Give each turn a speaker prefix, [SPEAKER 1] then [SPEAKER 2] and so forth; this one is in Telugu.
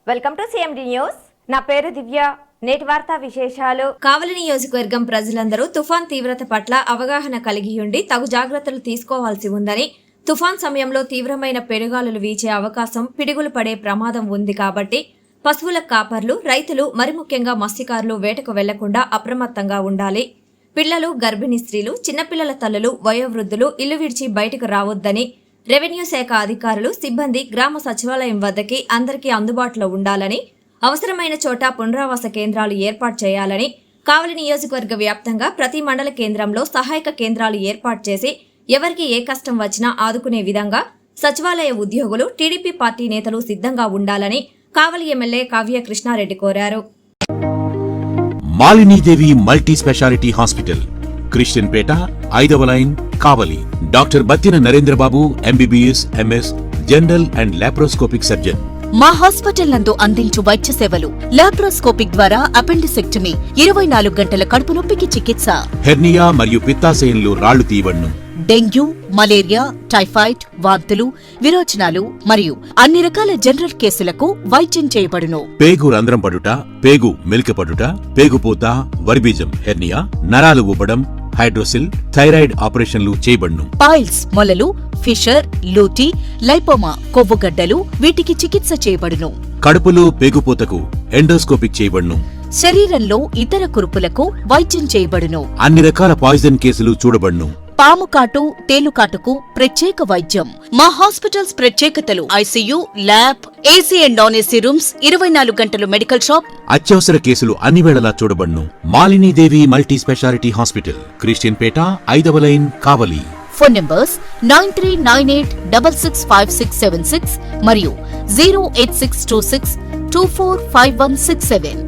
[SPEAKER 1] Welcome to CMD news. నా పేరు దివ్య. నేటి వార్తా విశేషాలు. కావలి నియోజకవర్గం ప్రజలందరూ తుఫాన్ తీవ్రత పట్ల అవగాహన కలిగి ఉండి తగు జాగ్రత్తలు తీసుకోవాల్సి ఉందని, తుఫాన్ సమయంలో తీవ్రమైన పెనుగాలులు వీచే అవకాశం, పిడుగులు పడే ప్రమాదం ఉంది కాబట్టి పశువుల కాపర్లు, రైతులు, మరి ముఖ్యంగా మత్స్యకారులు వేటకు వెళ్లకుండా అప్రమత్తంగా ఉండాలి. పిల్లలు, గర్భిణీ స్త్రీలు, చిన్నపిల్లల తల్లులు, వయోవృద్ధులు ఇల్లు విడిచి బయటకు రావొద్దని రెవెన్యూ శాఖ అధికారులు, సిబ్బంది గ్రామ సచివాలయం వద్దకి అందరికీ అందుబాటులో ఉండాలని, అవసరమైన చోట పునరావాస కేంద్రాలు ఏర్పాటు చేయాలని, కావలి నియోజకవర్గ వ్యాప్తంగా ప్రతి మండల కేంద్రంలో సహాయక కేంద్రాలు ఏర్పాటు చేసి ఎవరికి ఏ కష్టం వచ్చినా ఆదుకునే విధంగా సచివాలయ ఉద్యోగులు, టీడీపీ పార్టీ నేతలు సిద్ధంగా ఉండాలని కావలి ఎమ్మెల్యే కావ్య కృష్ణారెడ్డి కోరారు.
[SPEAKER 2] Malinidevi multi speciality hospital, Christian Peta, 5వ line, Kavali. Doctor Battina Narendrababu, MBBS, MS, general and laparoscopic surgeon.
[SPEAKER 3] మా హాస్పిటల్ నందు అందించు వైద్య సేవలు: లాప్రోస్కోపిక్ ద్వారా అపెండిసెక్టమీ, 24 గంటల కడుపు నొప్పికి చికిత్స,
[SPEAKER 2] హెర్నియా మరియు పిత్తాశయంలో రాళ్లు తీయబడును,
[SPEAKER 3] డెంగ్యూ, మలేరియా, టైఫాయిడ్, వాంతులు, విరోచనాలు మరియు అన్ని రకాల జనరల్ కేసులకు వైద్యం చేయబడును.
[SPEAKER 2] పేగు రంధ్రం పడుట, పేగు మెలికపడుట, పేగుపూత, వర్బీజం, హెర్నియా, నరాలు ఉబ్బడం, హైడ్రోసిల్, థైరాయిడ్ ఆపరేషన్లు చేయబడును.
[SPEAKER 3] పైల్స్, మొలలు, ఫిషర్, లూటీ, లైపోమా, కొవ్వుగడ్డలు వీటికి చికిత్స చేయబడును.
[SPEAKER 2] కడుపులో పేగుపూతకు ఎండోస్కోపిక్ చేయబడును.
[SPEAKER 3] శరీరంలో ఇతర కురుపులకు వైద్యం చేయబడును.
[SPEAKER 2] అన్ని రకాల పాయిజన్ కేసులు చూడబడును.
[SPEAKER 3] పాము కాటు, తేలుకాటుకు ప్రత్యేక వైద్యం. మా హాస్పిటల్స్ ప్రత్యేకతలు: ICU, lab, AC and non AC rooms, 24 గంటలు మెడికల్ షాప్.
[SPEAKER 2] అత్యవసర కేసులు అన్ని వేళలా చూడబడును. Malinidevi multi speciality hospital, Christian Peta, 5వ లైన్, కావలి.
[SPEAKER 3] ఫోన్ నంబర్స్ 9398665676 మరియు 08626245167.